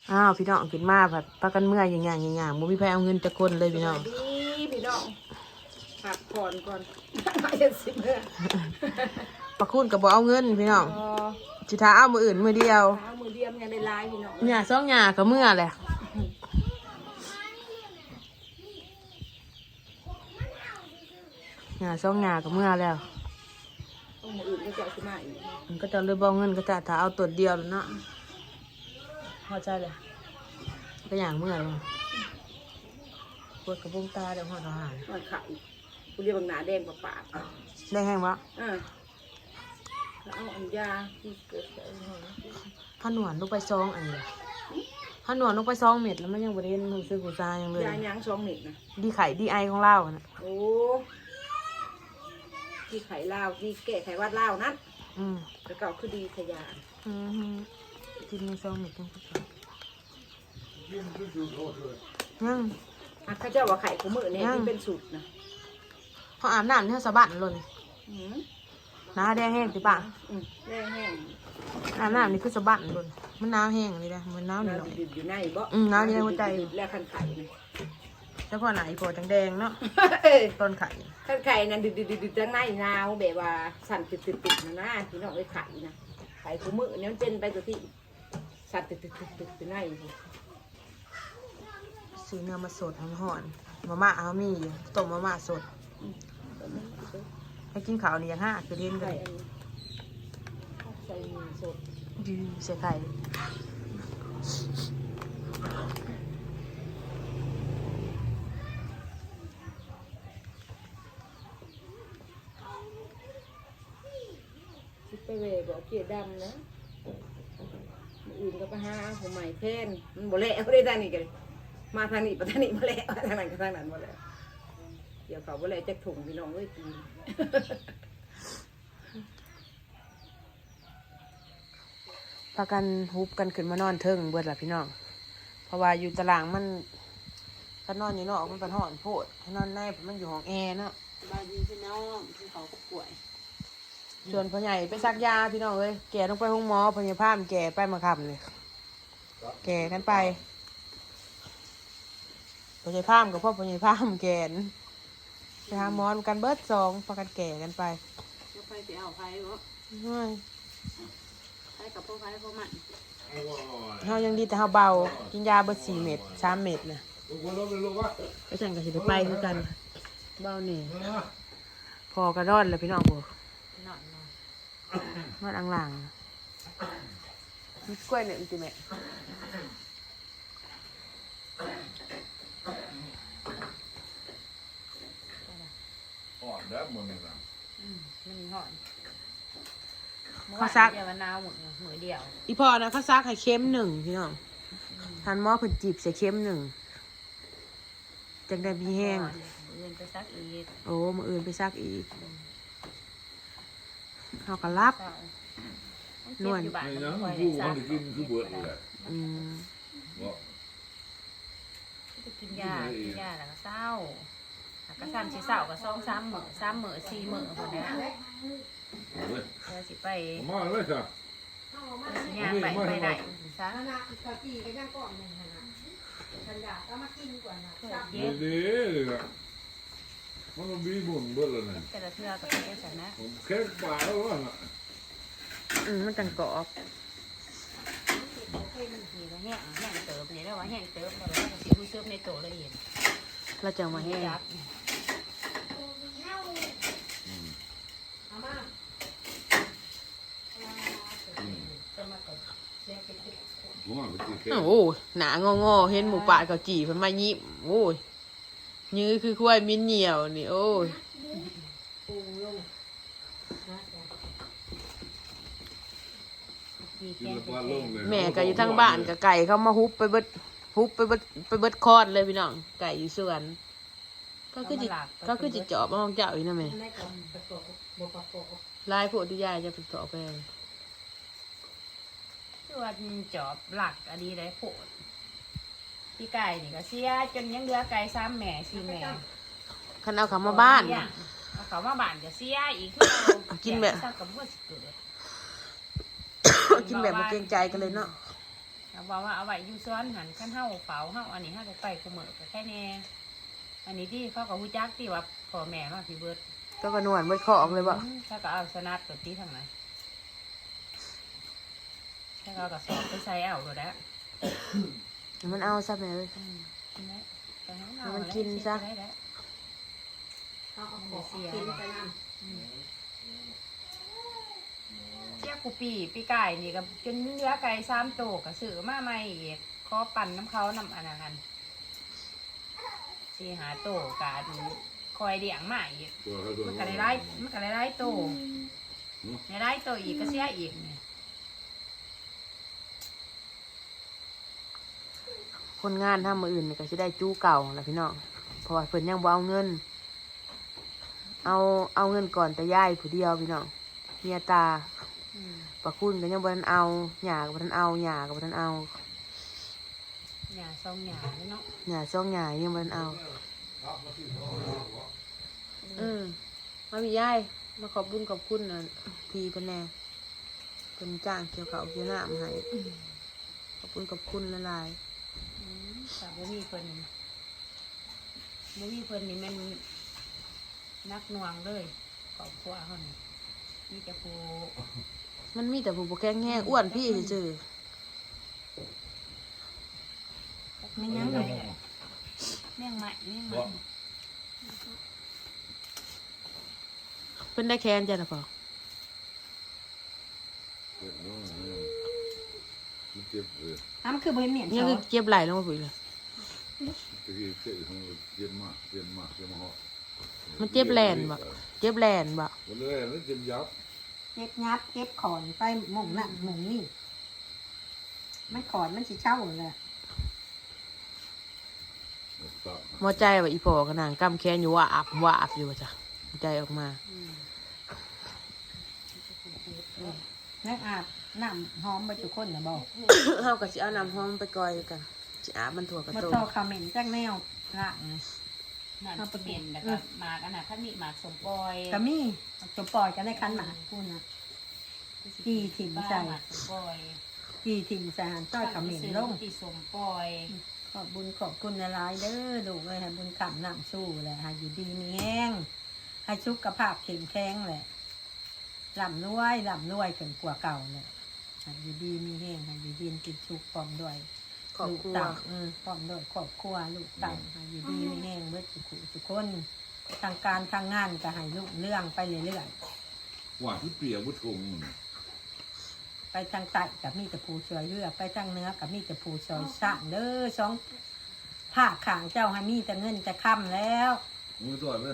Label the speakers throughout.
Speaker 1: อ้าวพี่น้องขึ้นมาแบบปากันเมื่อยอย่างบ่มีใครเอาเงินจะคนเลยพี่น้อง
Speaker 2: ดีพี่น้องผักผ่อนก่อนมาเย็นสิเมื่อ
Speaker 1: ปะคุณกับบ่เอาเงินพี่น้องสิท้าเอามืออื่นมือเดียว
Speaker 2: มือเดียวยังได้ลายพี่น้อง
Speaker 1: หญ้าซองหญ้าก็เมื่อแหละหญ้าซองหญ้าก็เมื่อแล้ว
Speaker 2: มืออื่นก็จะขึ้นมาอีก
Speaker 1: มันก็จะเลยบ่เงินก็จะถ้าเอาตัวเดียวแล้วเนาะพอใจเลยก็อย่างเมื่อยเลยปวดกระบุงตาเดี๋ยวหอดอาหาร
Speaker 2: หอดไข่กูเรียกบางหนาแดงปาก
Speaker 1: ได้แห้งวะ
Speaker 2: เอาอันยาที่เกิด
Speaker 1: ถ้าหนวดลงไปซองอันนี้ถ้าหนวดลงไปซองเม็ดแล้วมันยังบริเวณหูซื้อหูซายังเลย
Speaker 2: ยายัง2 เม็ดนะ
Speaker 1: ดีไข่ดีไอของเรานะ
Speaker 2: โอ้ที่ไข่ลาวที่แก่ไข่วัดลาวนั่นแต่เก่าคือดีขยา
Speaker 1: กินในซองเม็ดต้องยัง
Speaker 2: ข้าเจ้าว่าไข่ของมือเนี่ยที่เป็นสูตรนะ
Speaker 1: เขาอาบน้ำที่เขาสะบัดเลยน้าแดงแห้งติป่ะ
Speaker 2: แดงแห้ง
Speaker 1: อาบน้ำนี่คือสะบัดเลยมันน้ำแห้งเลยนะมันน้ำหน่อย
Speaker 2: อยู่ในบ่
Speaker 1: น้ำอยู่ในหัวใจ
Speaker 2: แล้วขันไข่
Speaker 1: แล้วพอไหนพอจังแดงเนาะต้นไข่
Speaker 2: ขันไข่นั่นดืดจังในนาวแบบว่าสั่นติดนะพี่น้องไอ้ไข่นะไข่ของมือเนี่ยมันเป็นไปตัวที่สั่นติดใน
Speaker 1: ซื้อเนื้อมาสดห่อนมาม่าเอามีอยู่ต้มมาม่าสดให้กินข้าวนี่ยังห้าคือเล่นกัน
Speaker 2: ใส่หมูสด
Speaker 1: ยืมใส่ไข่
Speaker 2: ไปเวบอกเกียดำนะอื่นก็ไปหาผมใหม่แทนมันบ่เละเขาได้ทางนี้กันมาทางนี้ไปทางนี้มาเละทางนั้นก็ทางนั้นมาแล้วเดี๋ยวเขาบ่เละจะถุงพี่น้องเอ้ยกิน
Speaker 1: พากันฮุบกันขึ้นมานอนเทิงเบิดล่ะพี่น้องเพราะว่าอยู่ตารางมันถ้านอนอยู่นอกมันเป็นห้อนโพดถ้านอนในมันอยู่ห้องแอร์เนาะ
Speaker 2: บายดีพี่น้องที่เขาก็ป่วย
Speaker 1: ส่วนพ่อใหญ่ไปซักยาพี่น้องเลยแก่ต้องไปห้องหมอพยาพามแก่ไปมาคำเลยแก่กันไปพยาพามกับพ่อพยาพามแก่นไปหาหมอกันเบิด2พากันแก่กันไป
Speaker 2: จะไปเอาไฟบ่ไฟกับพ่อไฟพ่อมัน
Speaker 1: เฮายังดีแต่เฮาเบากินยาเบิด4 เม็ด3 เม็ดนะไปสั่งกับสิไปคือกันเบานี่พอกระดอนเลยพี่น้องโบนอนอ่างๆมีกล้วยเนี่ยติแม่
Speaker 3: หอดแล้วหมดเลยนะ
Speaker 2: มันหอด
Speaker 1: เขาซัก
Speaker 2: เดี๋ยวมันนาวหมดมือเดียว
Speaker 1: อีพอนะเขาซักให้เข้ม1พี่น้องทันหม้อเพิ่นจีบใส่เข้ม1จังได้มีแห้ง
Speaker 2: อื่นไปซักอีก
Speaker 1: โอ้มื้ออื่นไปซักอีกเฮาก็รับนวล
Speaker 3: ไม่ยังผู้มันจะกินคือเบิดเลย
Speaker 2: จะกินยาแล้วก็เศร้าก็ซ้ำสิเศร้าก็2-3 มื้อ3 มื้อ4 มื้อคนนี้เราสิไป
Speaker 3: มาเลยจ้ะ
Speaker 2: ย่างไปไหนซะ
Speaker 3: ดีเลยนะมันบีบุญเบิดเลยนะ
Speaker 2: แต่ละเทือก็เป็นแบบนั้น
Speaker 3: แค่ปลาแล้ววะ
Speaker 1: มันจังกรอบ
Speaker 2: แห้งเติมเนี่ยแล้วว่าแห้งเติมแล้วว่าสิผู้เชื่อมในโตละเอียด
Speaker 1: เราจะมาแห้งโอ้หนางอเห็นหมูป่าเขาจี่เพิ่นมายิ้มโอ้ยยื้อคือควายมิ้นเหนียวนี่โอ้ยแม่ก็อยู่ทางบ้านกับไก่เขามาฮุบไปเบิดคอดเลยพี่น้องไก่อยู่สวนก็คือจิจอบมองเจ้าอีกนะแม่ลายโพธิยาจะเป็นต่อไป
Speaker 2: ส่วนจอบหลักอันนี้ได้โผล่พี่ไก่นี่ก็เสียจนยังเหลือไก่3 แม่4 แม่
Speaker 1: คันเอาเขามาบ้าน
Speaker 2: เอาเขามาบ้านจะเสียอีก
Speaker 1: กินแบบกินแบบมาเกรงใจกันเลยเนาะ
Speaker 2: เอาบอกว่าเอาไว้อยู่ซ้อนหันขั้นเฮาเฝ้าเฮาอันนี้เฮาไปกูเหมือก็แค่แน่อันนี้ที่เขาก็ฮู้จักที่ว่าพ่อแม่มาพี่เบิด
Speaker 1: ก็กระนวลเบิดของเลยบ่
Speaker 2: ถ้าก็เอาสนัดตัวที่ทางไหนถ้าก็เอากระสอบไปใส่เอาตัวแล้ว
Speaker 1: มันเอาซะแม่เอ้ย มันกินซะ
Speaker 2: เอาของกินไปนั่นเจ้ากูปีไก่นี่ก็จนเนื้อไก่3 ตัวก็ซื้อมาใหม่อีกขอปั่นน้ำเขาน้ำอันนั้น4-5 ตัวกะคอยเลี้ยงมาอีกมันก็ได้ตัวได้ตัวอีกก็เสียอีกนี่
Speaker 1: คนงานทำมืออื่นนี่ก็สิได้จู้เก่าแหละพี่น้องเพราะว่าเพิ่นยังบ่เอาเงิน เอาเงินก่อนแต่ย่ายผู้เดียวพี่น้องเมียตาปะคุณก็ยังบ่ทันเอาหย่าก็บ่ทันเอาหย่าก็บ่ทันเอา
Speaker 2: หญ้าซองหญ้าเนาะ
Speaker 1: หย่าซ่องหย่ายังบ่ทันเอามาพี่ย่ายมาขอบบุญขอบคุณน่ะพี่เพิ่นแน่เพิ่นจ้างเกี่ยวข้าวเกี่ยวน้ำให้ขอบคุณขอบคุณหลาย
Speaker 2: แต่บ่มีเพิ่นนี่มันนักหน่วงเลยครอบครัวเฮานี่มีแต่ผู้
Speaker 1: ๆมันมีแต่ผู้บ่แข็งแรงอ้วนพี่ซื่อ
Speaker 2: ไม่ยังเลยแม่งใหม่
Speaker 1: เพิ่นได้แค้นจ้ะล่ะพ่อ
Speaker 3: เจ็บเลย
Speaker 2: มันคือบ่เหม็น
Speaker 1: ยังคือเก็บไหลลงมาปุ๋ยเลย
Speaker 3: ตะกี้เจ็บของเจ็บมากเจ็บมากเจ็บมาก
Speaker 1: มันเจ็บแลนบ่เจ็บแลนบ่
Speaker 3: วันแรกแล้วเจ็บยับ
Speaker 4: เก็บงับเก็บขอนไปหม่งนั่นหม่งนี่มันขอนมันสิเช่าเลย
Speaker 1: หมอใจว่าอีพ่อก็นางกำแค้นอยู่ว่าอาบอยู่ว่าจ้ะใจออกมา
Speaker 4: นั่งอาบน้ำหอมไปทุกคนนะบอก
Speaker 1: เฮาก็สิเอาน้ำหอมไปก่อยกันสิอาบมันถั่วกระ
Speaker 4: มา
Speaker 1: โต
Speaker 4: ต่อคอมเมนต์จากแนวละ
Speaker 2: นั่นเป็นแล้วก็หมากอันน่ะคันนี้หมากสมปอย
Speaker 4: ก็มีจมปล่อยกันในคันหมาพูดนะจีถิ่มใส่
Speaker 2: หมากสมปอย
Speaker 4: จีถิ่มใส่หันต้อยคอมเมนต์ลง
Speaker 2: ที่สมปอย
Speaker 4: ขอบบุญขอบคุณหลายๆเด้อลูกเลยให้บุญกำนำสู้แหละให้อยู่ดีมีแห้งให้สุขภาพเข้มแข็งแหละร่ำรวยถึงกว่าเก่าเลยให้อยู่ดีมีแห้งให้อยู่ดีกินสุขพร้อมด้วย
Speaker 1: ครอบครัว
Speaker 4: ลูกเต่าพร้อมด้วยครอบครัวลูกเต่าให้อยู่ดีมีแห้งเบิดทุกคนทางการทางงานก็ให้ลูกเรื่องไปเรื่อยๆ
Speaker 3: หวานที่เปียกบุตรง
Speaker 4: ไปทางใต้กับมีแต่ผู้ช่วยเรือไปทางเหนือกับมีแต่ผู้ช่วยสร้างเด้อสองภาคขางเจ้าให้มีแต่เงินแต่ค่ำแล้ว
Speaker 3: มือตัวเลย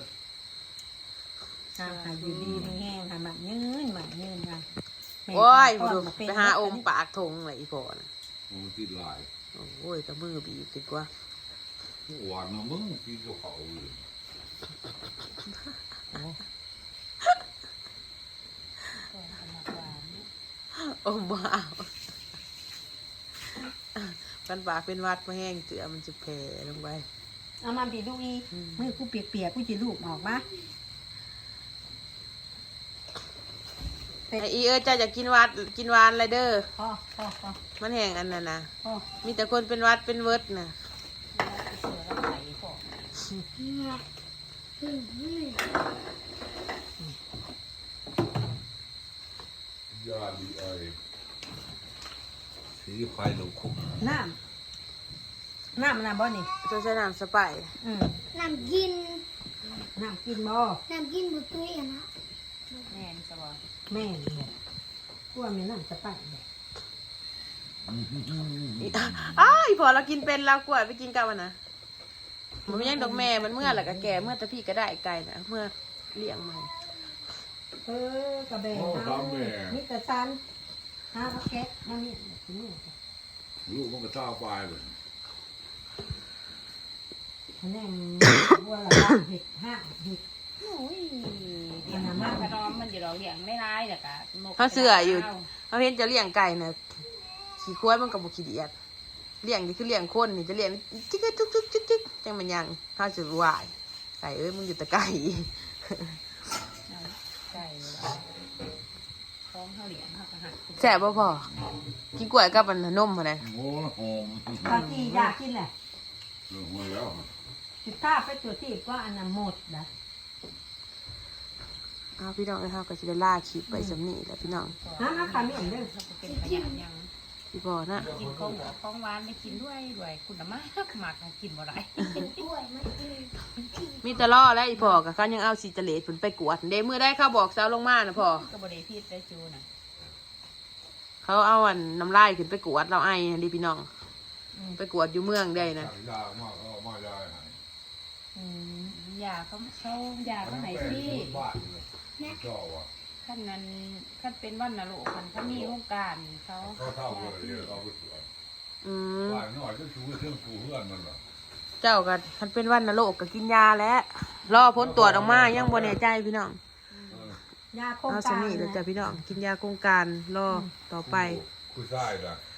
Speaker 4: ให้อยู่ดีมีแห้งให้มันยืนนะแม่
Speaker 1: โอ้ย
Speaker 4: พ่อ
Speaker 1: ดู
Speaker 4: มาเป็น
Speaker 1: ไปหาองค์ปากทงเลยอีพ่อน่ะ
Speaker 3: มันติดลาย
Speaker 1: โอ้ยตะมือบีบดีกว่า
Speaker 3: หวานนะมึงกินกับเขาเลย
Speaker 1: โอ้บ้ากันปากเป็นวัดมาแห้งเสือมันจะแผ่ลงไป
Speaker 4: เอามาบีดูอีมือกูเปียกๆกูจะลูบออกมา
Speaker 1: ไออีเจ้าอยากกินวัดกินหวานอะไรเด้อ
Speaker 4: พ่อ
Speaker 1: มันแห้งอันนั้นนะ
Speaker 4: พ่อ
Speaker 1: มีแต่คนเป็นวัดเป็นเวิร์ดนะ
Speaker 2: เสือแล้วไหลพอย
Speaker 3: าดีไอสีไฟลูกคุก
Speaker 4: น้ำมันบ่นี่
Speaker 1: ตัวใช้น้ำสไปร์
Speaker 5: น้ำกิน
Speaker 4: น้ำกินบ่
Speaker 5: น้ำกินบุตุ้ยอะนะ
Speaker 2: แม่นสบาย
Speaker 4: แม่เนี่ยกลัวมีน้ำสไปร์เลย
Speaker 1: อ้ายพอเรากินเป็นเรากล้วยไปกินกันวันนะมันไม่ยังดอกแม่มันเมื่อแหละก็แก่เมื่อแต่พี่ก็ได้ไก่นะเมื่อเลี้ยงมัน
Speaker 4: กระเบนนี่แต่ซันหาเอาแก๊สมาเนี่ยนี่
Speaker 3: ลูกมันก็ท่าปลายเลย
Speaker 4: คะแนนบัวละบ้าเห็ดห้าเห็ด
Speaker 2: โอ้ยเลี้ยงมากกระดอมมันอยู่เราเลี้ยงไม่ร้ายแต่กะ
Speaker 1: เขาเสืออยู่เขาเห็นจะเลี้ยงไก่นะขี่ควายมันกับบุขี้เดียดเลี้ยงนี่คือเลี้ยงคนนี่จะเลี้ยงจิ๊กจิ๊กจังมันยังเขาจะวายไก่เอ้ยมึงอยู่แต่ไก่
Speaker 2: ไก่ท้องเขาเลี้ยงเขาก็หัก
Speaker 1: แซ่บบ่พอกินกล้วยกับอันนมอะไร
Speaker 3: โอ้หอม
Speaker 4: บางทีอยากกินแหละ
Speaker 3: เรื่องมาแล้ว
Speaker 4: สิถ้าไปตัวที่ก็อันนั้นหมดนะ
Speaker 1: เอาพี่น้องเฮาก็สิได้ล่าคลิปไปสำนี้แหละพี่น้อง
Speaker 4: น้ำขาไม่เห็นเด้อ
Speaker 6: เป็นขยะยัง
Speaker 1: พี่พอนะ
Speaker 6: กินของหวานได้กินด้วยคุณมากมากกินบ่ได้
Speaker 5: กล้วยมันกิน
Speaker 1: มีแตะล่อแล้วอีพ่อก็คันยังเอาสิจะเลดเพิ่นไปกวดเด้มื้อได้เขาบอกเซาลงมาน่ะพ่อ
Speaker 6: ก็บ่ได้พิษได้จูน่ะ
Speaker 1: เขาเอาอันน้ำลายขึ้นไปกวดเราไอ้ดิพี่น้องไปกวดอยู่เมืองได้นะ
Speaker 3: ยากมากเอามายายหาย
Speaker 6: ยาเขายาเขาให้พี่
Speaker 3: บ้านเลยเจ้าว่ะ
Speaker 6: ขั้นนั้นขั้นเป็นวันนรกมันเขามีโครงการเขา
Speaker 3: เขาเท่าเลยเดี๋ยวเอาไปสวน
Speaker 1: อืม
Speaker 3: บ้านน้อยก็ชูเครื่องปูเพื่อนมันเหรอ
Speaker 1: เจ้าก็คันเป็นวันนรกก็กินยาแล้วรอผลตรวจออกมายังบ่แน่ใจพี่น้อง
Speaker 4: ยาโครง
Speaker 1: เอา
Speaker 4: กา
Speaker 1: ส
Speaker 4: ร
Speaker 1: นิทแล้วจ้ะพี่น้องกินยาโครงการรอต่อไป
Speaker 3: คุยใช่ละ